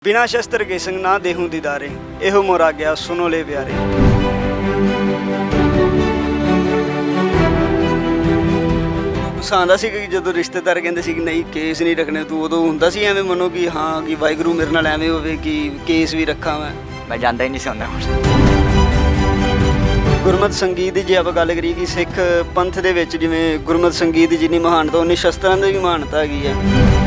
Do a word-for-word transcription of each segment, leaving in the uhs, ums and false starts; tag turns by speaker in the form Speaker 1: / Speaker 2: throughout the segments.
Speaker 1: बिना शस्त्र के संग ना देहूं दीदारे एहो मोर आग्या सुनो ले प्यारे। ਗੁੱਸਾ ਆਉਂਦਾ ਸੀ ਕਿ ਜਦੋਂ ਰਿਸ਼ਤੇਦਾਰ ਕਹਿੰਦੇ ਸੀ ਕਿ ਨਹੀਂ ਕੇਸ ਨਹੀਂ ਰੱਖਣੇ ਤੂੰ, ਉਦੋਂ ਹੁੰਦਾ ਸੀ ਐਵੇਂ ਮਨੋ ਕਿ ਹਾਂ ਕਿ ਵਾਹਿਗੁਰੂ ਮੇਰੇ ਨਾਲ ਐਵੇਂ ਹੋਵੇ ਕਿ ਕੇਸ ਵੀ ਰੱਖਾਂ ਮੈਂ
Speaker 2: ਮੈਂ ਜਾਂਦਾ ਹੀ ਨਹੀਂ ਸੀ ਹੁੰਦਾ।
Speaker 1: ਗੁਰਮਤਿ ਸੰਗੀਤ ਦੀ ਜੇ ਆਪਾਂ ਗੱਲ ਕਰੀਏ ਕਿ ਸਿੱਖ ਪੰਥ ਦੇ ਵਿੱਚ ਜਿਵੇਂ ਗੁਰਮਤਿ ਸੰਗੀਤ ਦੀ ਜਿੰਨੀ ਮਹਾਨਤਾ ਉਨੀ ਸ਼ਸਤਰਾਂ ਦੀ ਵੀ ਮਹਾਨਤਾ ਹੈਗੀ ਹੈ।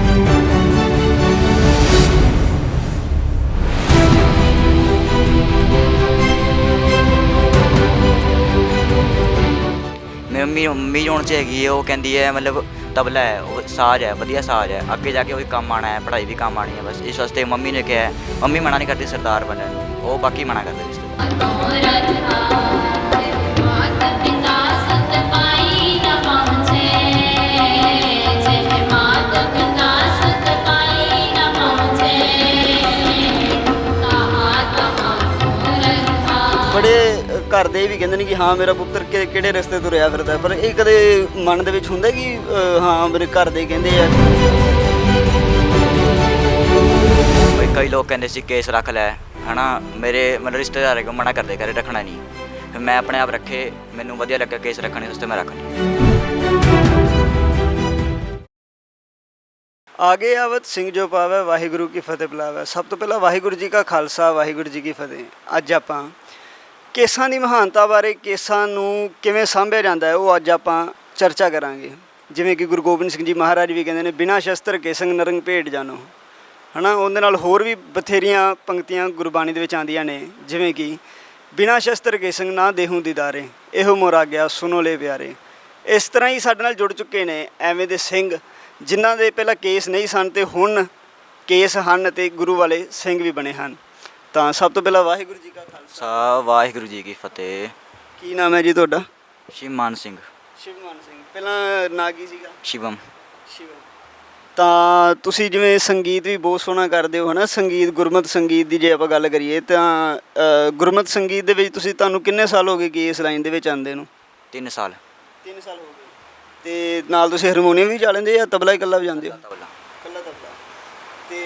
Speaker 2: ਮੰਮੀ ਮੰਮੀ ਹੁਣ 'ਚ ਹੈਗੀ ਹੈ, ਉਹ ਕਹਿੰਦੀ ਹੈ ਮਤਲਬ ਤਬਲਾ ਹੈ, ਉਹ ਸਾਜ਼ ਹੈ, ਵਧੀਆ ਸਾਜ਼ ਹੈ, ਅੱਗੇ ਜਾ ਕੇ ਉਹ ਵੀ ਕੰਮ ਆਉਣਾ ਹੈ, ਪੜ੍ਹਾਈ ਵੀ ਕੰਮ ਆਉਣੀ ਹੈ। ਬਸ ਇਸ ਵਾਸਤੇ ਮੰਮੀ ਨੇ ਕਿਹਾ, ਮੰਮੀ ਮਨਾ ਨਹੀਂ ਕਰਦੀ ਸਰਦਾਰ ਬਣਨ ਨੂੰ, ਉਹ ਬਾਕੀ ਮਨਾ ਕਰਦੇ ਰਿਸ਼ਤੇ।
Speaker 1: ਬੜੇ ਘਰ ਦੇ ਵੀ ਕਹਿੰਦੇ ਨੇ ਕਿ ਹਾਂ ਮੇਰਾ ਪੁੱਤਰ ਕਿ ਕਿਹੜੇ ਰਸਤੇ ਤੁਰਿਆ ਫਿਰਦਾ, ਪਰ ਇਹ ਕਦੇ ਮਨ ਦੇ ਵਿੱਚ ਹੁੰਦਾ ਕਿ ਅ, ਹਾਂ ਮੇਰੇ ਘਰ ਦੇ ਕਹਿੰਦੇ ਆ।
Speaker 2: ਬਈ ਕਈ ਲੋਕ ਕਹਿੰਦੇ ਸੀ ਕੇਸ ਰੱਖ ਲੈ ਹੈ ਨਾ, ਮੇਰੇ ਮਤਲਬ ਰਿਸ਼ਤੇਦਾਰ ਹੈਗੇ ਮਨਾ ਕਰਦੇ ਕਰੇ ਰੱਖਣਾ ਨਹੀਂ, ਫਿਰ ਮੈਂ ਆਪਣੇ ਆਪ ਰੱਖੇ, ਮੈਨੂੰ ਵਧੀਆ ਲੱਗਾ ਕੇਸ ਰੱਖਣੇ ਵਾਸਤੇ ਮੈਂ ਰੱਖ ਲਈ।
Speaker 1: ਆਗੇ ਆਵਤ ਸਿੰਘ ਜੋ ਪਾਵੈ ਵਾਹਿਗੁਰੂ ਕੀ ਫਤਿਹ ਬੁਲਾਵੈ। ਸਭ ਤੋਂ ਪਹਿਲਾਂ ਵਾਹਿਗੁਰੂ ਜੀ ਕਾ ਖਾਲਸਾ ਵਾਹਿਗੁਰੂ ਜੀ ਕੀ ਫਤਿਹ। ਅੱਜ ਆਪਾਂ ਕੇਸਾਂ ਦੀ ਮਹਾਨਤਾ ਬਾਰੇ, ਕੇਸਾਂ ਨੂੰ ਕਿਵੇਂ ਸਾਂਭਿਆ ਜਾਂਦਾ ਹੈ, ਉਹ ਅੱਜ ਆਪਾਂ ਚਰਚਾ ਕਰਾਂਗੇ। ਜਿਵੇਂ ਕਿ ਗੁਰੂ ਗੋਬਿੰਦ ਸਿੰਘ ਜੀ ਮਹਾਰਾਜ ਵੀ ਕਹਿੰਦੇ ਨੇ ਬਿਨਾਂ ਸ਼ਸਤਰ ਕੇ ਸੰਗ ਨਰੰਗ ਭੇਟ ਜਾਣੋ, ਹੈ ਨਾ। ਉਹਦੇ ਨਾਲ ਹੋਰ ਵੀ ਬਥੇਰੀਆਂ ਪੰਕਤੀਆਂ ਗੁਰਬਾਣੀ ਦੇ ਵਿੱਚ ਆਉਂਦੀਆਂ ਨੇ, ਜਿਵੇਂ ਕਿ ਬਿਨਾਂ ਸ਼ਸਤਰ ਕੇ ਸੰਗ ਨਾ ਦੇਹੂੰ ਦੀਦਾਰੇ ਇਹੋ ਮੋਰ ਆਗਿਆ ਸੁਨੋ ਲੈ ਪਿਆਰੇ। ਇਸ ਤਰ੍ਹਾਂ ਹੀ ਸਾਡੇ ਨਾਲ ਜੁੜ ਚੁੱਕੇ ਨੇ ਐਵੇਂ ਦੇ ਸਿੰਘ ਜਿਨ੍ਹਾਂ ਦੇ ਪਹਿਲਾਂ ਕੇਸ ਨਹੀਂ ਸਨ ਅਤੇ ਹੁਣ ਕੇਸ ਹਨ ਅਤੇ ਗੁਰੂ ਵਾਲੇ ਸਿੰਘ ਵੀ ਬਣੇ ਹਨ। ਤਾਂ ਸਭ ਤੋਂ ਪਹਿਲਾਂ ਵਾਹਿਗੁਰੂ ਜੀ ਕਾ ਖਾਲਸਾ
Speaker 2: ਵਾਹਿਗੁਰੂ ਜੀ ਕੀ ਫਤਿਹ।
Speaker 1: ਕੀ ਨਾਮ ਹੈ ਜੀ ਤੁਹਾਡਾ?
Speaker 2: ਸ਼ਿਵਮਾਨ ਸਿੰਘ।
Speaker 1: ਸ਼ਿਵਮਾਨ ਸਿੰਘ। ਪਹਿਲਾਂ ਨਾਂ ਕੀ ਸੀਗਾ?
Speaker 2: ਸ਼ਿਵਮ।
Speaker 1: ਸ਼ਿਵਮ। ਤਾਂ ਤੁਸੀਂ ਜਿਵੇਂ ਸੰਗੀਤ ਵੀ ਬਹੁਤ ਸੋਹਣਾ ਕਰਦੇ ਹੋ, ਹੈ ਨਾ। ਸੰਗੀਤ ਗੁਰਮਤਿ ਸੰਗੀਤ ਦੀ ਜੇ ਆਪਾਂ ਗੱਲ ਕਰੀਏ ਤਾਂ ਗੁਰਮਤਿ ਸੰਗੀਤ ਦੇ ਵਿੱਚ ਤੁਸੀਂ ਤੁਹਾਨੂੰ ਕਿੰਨੇ ਸਾਲ ਹੋ ਗਏ ਕਿ ਇਸ ਲਾਈਨ ਦੇ ਵਿੱਚ ਆਉਂਦੇ ਨੂੰ?
Speaker 2: ਤਿੰਨ ਸਾਲ।
Speaker 1: ਤਿੰਨ ਸਾਲ ਹੋ ਗਏ। ਅਤੇ ਨਾਲ ਤੁਸੀਂ ਹਾਰਮੋਨੀਅਮ ਵੀ ਵਜਾ ਲੈਂਦੇ ਜਾਂ ਤਬਲਾ ਇਕੱਲਾ ਵਜਾਉਂਦੇ ਹੋ?
Speaker 2: ਤਬਲਾ।
Speaker 1: ਇਕੱਲਾ ਤਬਲਾ। ਅਤੇ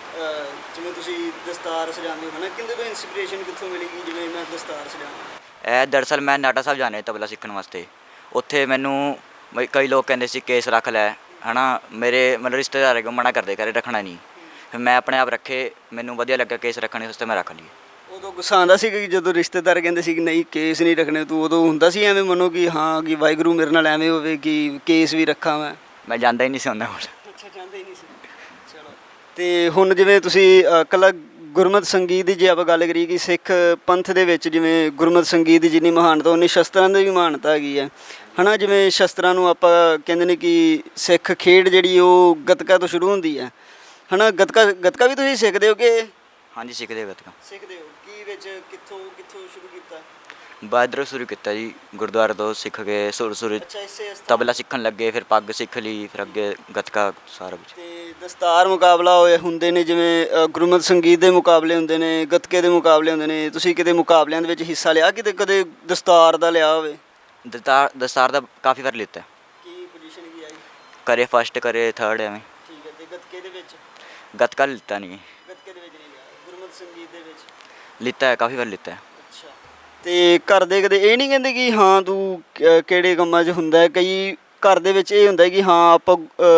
Speaker 1: ਜਿਵੇਂ ਤੁਸੀਂ ਦਸਤਾਰ ਸਜਾਉਂਦੇ ਹੋ, ਹੈ ਨਾ, ਕਿਹਦੇ ਤੋਂ ਇੰਸਪੀਰੇਸ਼ਨ ਕਿੱਥੋਂ ਮਿਲੇਗੀ ਜਿਵੇਂ ਮੈਂ ਦਸਤਾਰ ਸਜਾਵਾਂ?
Speaker 2: ਇਹ ਦਰਅਸਲ ਮੈਂ ਨਾਟਾ ਸਾਹਿਬ ਜਾਣਾ ਤਬਲਾ ਸਿੱਖਣ ਵਾਸਤੇ, ਉੱਥੇ ਮੈਨੂੰ ਬਈ ਕਈ ਲੋਕ ਕਹਿੰਦੇ ਸੀ ਕੇਸ ਰੱਖ ਲੈ ਹੈ ਨਾ, ਮੇਰੇ ਮਤਲਬ ਰਿਸ਼ਤੇਦਾਰ ਹੈਗੇ ਮਨਾ ਕਰਦੇ ਕਰੇ ਰੱਖਣਾ ਨਹੀਂ, ਫਿਰ ਮੈਂ ਆਪਣੇ ਆਪ ਰੱਖੇ, ਮੈਨੂੰ ਵਧੀਆ ਲੱਗਾ ਕੇਸ ਰੱਖਣੇ ਵਾਸਤੇ ਮੈਂ ਰੱਖ ਲਈ।
Speaker 1: ਉਦੋਂ ਗੁੱਸਾ ਆਉਂਦਾ ਸੀ ਕਿ ਜਦੋਂ ਰਿਸ਼ਤੇਦਾਰ ਕਹਿੰਦੇ ਸੀ ਕਿ ਨਹੀਂ ਕੇਸ ਨਹੀਂ ਰੱਖਣੇ ਤੂੰ, ਉਦੋਂ ਹੁੰਦਾ ਸੀ ਐਵੇਂ ਮਨੋ ਕਿ ਹਾਂ ਕਿ ਵਾਹਿਗੁਰੂ ਮੇਰੇ ਨਾਲ ਐਵੇਂ ਹੋਵੇ ਕਿ ਕੇਸ ਵੀ ਰੱਖਾਂ ਮੈਂ
Speaker 2: ਮੈਂ ਜਾਂਦਾ ਹੀ ਨਹੀਂ ਸੀ ਹੁੰਦਾ ਹੁਣ।
Speaker 1: ਅੱਛਾ, ਜਾਂਦਾ ਹੀ ਨਹੀਂ ਸੀ। ਚਲੋ। ਅਤੇ ਹੁਣ ਜਿਵੇਂ ਤੁਸੀਂ ਇਕੱਲਾ ਗੁਰਮਤਿ ਸੰਗੀਤ ਦੀ ਜੇ ਆਪਾਂ ਗੱਲ ਕਰੀਏ ਕਿ ਸਿੱਖ ਪੰਥ ਦੇ ਵਿੱਚ ਜਿਵੇਂ ਗੁਰਮਤਿ ਸੰਗੀਤ ਦੀ ਜਿੰਨੀ ਮਹਾਨਤਾ ਉਨੀ ਸ਼ਸਤਰਾਂ ਦੀ ਵੀ ਮਹਾਨਤਾ ਹੈਗੀ ਹੈ, ਹੈ ਨਾ। ਜਿਵੇਂ ਸ਼ਸਤਰਾਂ ਨੂੰ ਆਪਾਂ ਕਹਿੰਦੇ ਨੇ ਕਿ ਸਿੱਖ ਖੇਡ ਜਿਹੜੀ ਉਹ ਗੱਤਕਾ ਤੋਂ ਸ਼ੁਰੂ ਹੁੰਦੀ ਹੈ, ਹੈ ਨਾ। ਗੱਤਕਾ ਗੱਤਕਾ ਵੀ ਤੁਸੀਂ ਸਿੱਖਦੇ ਹੋ ਕਿ?
Speaker 2: ਹਾਂਜੀ ਸਿੱਖਦੇ ਗੱਤਕਾ।
Speaker 1: ਸਿੱਖਦੇ ਹੋ। ਕੀ ਵਿੱਚ ਕਿੱਥੋਂ ਕਿੱਥੋਂ ਸ਼ੁਰੂ ਕੀਤਾ?
Speaker 2: ਬਾਦਰੋਂ ਸ਼ੁਰੂ ਕੀਤਾ ਜੀ, ਗੁਰਦੁਆਰੇ ਤੋਂ ਸਿੱਖ ਕੇ ਸੁਰ ਸੁਰ
Speaker 1: ਅੱਛਾ, ਇਸੇ
Speaker 2: ਤਬਲਾ ਸਿੱਖਣ ਲੱਗੇ, ਫਿਰ ਪੱਗ ਸਿੱਖ ਲਈ, ਫਿਰ ਅੱਗੇ ਗੱਤਕਾ ਸਾਰਾ ਕੁਝ।
Speaker 1: ਅਤੇ ਦਸਤਾਰ ਮੁਕਾਬਲਾ ਹੋਏ ਹੁੰਦੇ ਨੇ, ਜਿਵੇਂ ਗੁਰਮਤਿ ਸੰਗੀਤ ਦੇ ਮੁਕਾਬਲੇ ਹੁੰਦੇ ਨੇ, ਗੱਤਕੇ ਦੇ ਮੁਕਾਬਲੇ ਹੁੰਦੇ ਨੇ, ਤੁਸੀਂ ਕਿਤੇ ਮੁਕਾਬਲਿਆਂ ਦੇ ਵਿੱਚ ਹਿੱਸਾ ਲਿਆ ਕਿਤੇ, ਕਦੇ ਦਸਤਾਰ ਦਾ ਲਿਆ ਹੋਵੇ?
Speaker 2: ਦਸਤਾਰ ਦਸਤਾਰ ਦਾ ਕਾਫੀ ਵਾਰ ਲਿੱਤਾ।
Speaker 1: ਕੀ ਪੋਜੀਸ਼ਨ ਕੀ ਆਈ?
Speaker 2: ਕਰੇ ਫਸਟ, ਕਰੇ ਥਰਡ, ਐਵੇਂ।
Speaker 1: ਠੀਕ ਹੈ। ਅਤੇ ਗੱਤਕੇ ਦੇ ਵਿੱਚ?
Speaker 2: ਗੱਤਕਾ ਲਿੱਤਾ ਨਹੀਂ।
Speaker 1: ਗੱਤਕੇ ਦੇ ਵਿੱਚ ਨਹੀਂ ਲਿਆ, ਗੁਰਮਤਿ ਸੰਗੀਤ ਦੇ ਵਿੱਚ
Speaker 2: ਲਿੱਤਾ ਹੈ, ਕਾਫੀ ਵਾਰ ਲਿੱਤਾ ਹੈ।
Speaker 1: ਅੱਛਾ। ਅਤੇ ਘਰ ਦੇ ਕਦੇ ਇਹ ਨਹੀਂ ਕਹਿੰਦੇ ਕਿ ਹਾਂ ਤੂੰ ਕਿਹੜੇ ਕੰਮਾਂ 'ਚ ਹੁੰਦਾ? ਕਈ ਘਰ ਦੇ ਵਿੱਚ ਇਹ ਹੁੰਦਾ ਕਿ ਹਾਂ ਆਪਾਂ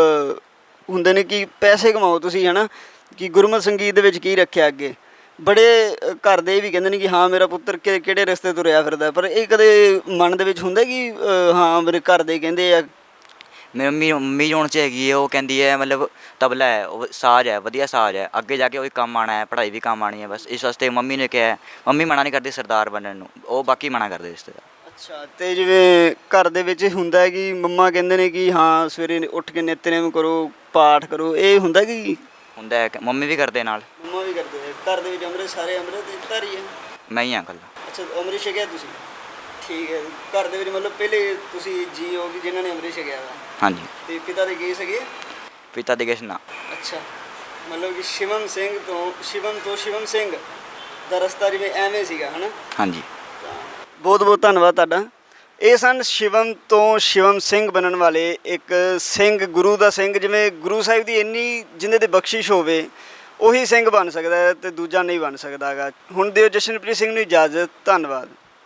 Speaker 1: ਹੁੰਦੇ ਨੇ ਕਿ ਪੈਸੇ ਕਮਾਓ ਤੁਸੀਂ, ਹੈ ਨਾ, ਕਿ ਗੁਰਮਤਿ ਸੰਗੀਤ ਦੇ ਵਿੱਚ ਕੀ ਰੱਖਿਆ ਅੱਗੇ। ਬੜੇ ਘਰ ਦੇ ਵੀ ਕਹਿੰਦੇ ਨੇ ਕਿ ਹਾਂ ਮੇਰਾ ਪੁੱਤਰ ਕਿ ਕਿਹੜੇ ਰਸਤੇ ਤੁਰਿਆ ਫਿਰਦਾ, ਪਰ ਇਹ ਕਦੇ ਮਨ ਦੇ ਵਿੱਚ ਹੁੰਦਾ ਕਿ ਹਾਂ ਮੇਰੇ ਘਰ ਦੇ ਕਹਿੰਦੇ ਆ?
Speaker 2: ਮੇਰੀ ਮੰਮੀ ਮੰਮੀ ਹੁਣ 'ਚ ਹੈਗੀ ਹੈ, ਉਹ ਕਹਿੰਦੀ ਹੈ ਮਤਲਬ ਤਬਲਾ ਹੈ, ਉਹ ਸਾਜ਼ ਹੈ, ਵਧੀਆ ਸਾਜ਼ ਹੈ, ਅੱਗੇ ਜਾ ਕੇ ਉਹ ਵੀ ਕੰਮ ਆਉਣਾ ਹੈ, ਪੜ੍ਹਾਈ ਵੀ ਕੰਮ ਆਉਣੀ ਹੈ। ਬਸ ਇਸ ਵਾਸਤੇ ਮੰਮੀ ਨੇ ਕਿਹਾ, ਮੰਮੀ ਮਨਾ ਨਹੀਂ ਕਰਦੀ ਸਰਦਾਰ ਬਣਨ ਨੂੰ, ਉਹ ਬਾਕੀ ਮਨਾ ਕਰਦੇ ਰਿਸ਼ਤੇਦਾਰ।
Speaker 1: ਅੱਛਾ। ਅਤੇ ਜਿਵੇਂ ਘਰ ਦੇ ਵਿੱਚ ਹੁੰਦਾ ਹੈ ਕਿ ਮੰਮਾ ਕਹਿੰਦੇ ਨੇ ਕਿ ਹਾਂ ਸਵੇਰੇ ਉੱਠ ਕੇ ਨਿਤਨੇਮ ਕਰੋ, ਪਾਠ ਕਰੋ, ਇਹ ਹੁੰਦਾ ਕਿ?
Speaker 2: ਹੁੰਦਾ ਹੈ, ਮੰਮੀ ਵੀ ਕਰਦੇ ਨਾਲ।
Speaker 1: ਮੰਮਾ ਵੀ ਕਰਦੇ ਹੈ। ਘਰ ਦੇ ਵਿੱਚ ਅੰਮ੍ਰਿਤ ਸਾਰੇ ਅੰਮ੍ਰਿਤ ਧਾਰੀ ਹੈ?
Speaker 2: ਮੈਂ ਹੀ ਹਾਂ ਇਕੱਲਾ।
Speaker 1: ਅੱਛਾ, ਅੰਮ੍ਰਿਤ ਛਕਿਆ ਤੁਸੀਂ? ਠੀਕ ਹੈ। ਘਰ ਦੇ ਵਿੱਚ ਮਤਲਬ ਪਹਿਲੇ ਤੁਸੀਂ ਜੀ ਹੋ ਕਿ ਜਿਨ੍ਹਾਂ ਨੇ ਅੰਮ੍ਰਿਤ ਛਕਿਆ ਵਾ?
Speaker 2: ਹਾਂਜੀ।
Speaker 1: ਅਤੇ ਪਿਤਾ ਦੇ ਕੀ ਸੀਗੇ?
Speaker 2: ਪਿਤਾ ਦੇ ਕਿਸ ਨਾ।
Speaker 1: ਅੱਛਾ, ਮਤਲਬ ਕਿ ਸ਼ਿਵਮ ਸਿੰਘ ਤੋਂ ਸ਼ਿਵਮ ਤੋਂ ਸ਼ਿਵਮ ਸਿੰਘ ਦਾ ਰਸਤਾ ਜਿਵੇਂ ਐਵੇਂ ਸੀਗਾ, ਹੈ ਨਾ? ਹਾਂਜੀ। ਬਹੁਤ ਬਹੁਤ ਧੰਨਵਾਦ ਤੁਹਾਡਾ। ਇਹ ਸਨ ਸ਼ਿਵਮ ਤੋਂ ਸ਼ਿਵਮ ਸਿੰਘ ਬਣਨ ਵਾਲੇ ਇੱਕ ਸਿੰਘ, ਗੁਰੂ ਦਾ ਸਿੰਘ। ਜਿਵੇਂ ਗੁਰੂ ਸਾਹਿਬ ਦੀ ਇੰਨੀ ਜਿਹਦੇ 'ਤੇ ਬਖਸ਼ਿਸ਼ ਹੋਵੇ ਉਹੀ ਸਿੰਘ ਬਣ ਸਕਦਾ ਹੈ ਤੇ ਦੂਜਾ ਨਹੀਂ ਬਣ ਸਕਦਾ ਹੈਗਾ। ਹੁਣ ਦਿਓ ਜਸ਼ਨਪ੍ਰੀਤ ਸਿੰਘ ਨੂੰ ਇਜਾਜ਼ਤ। ਧੰਨਵਾਦ।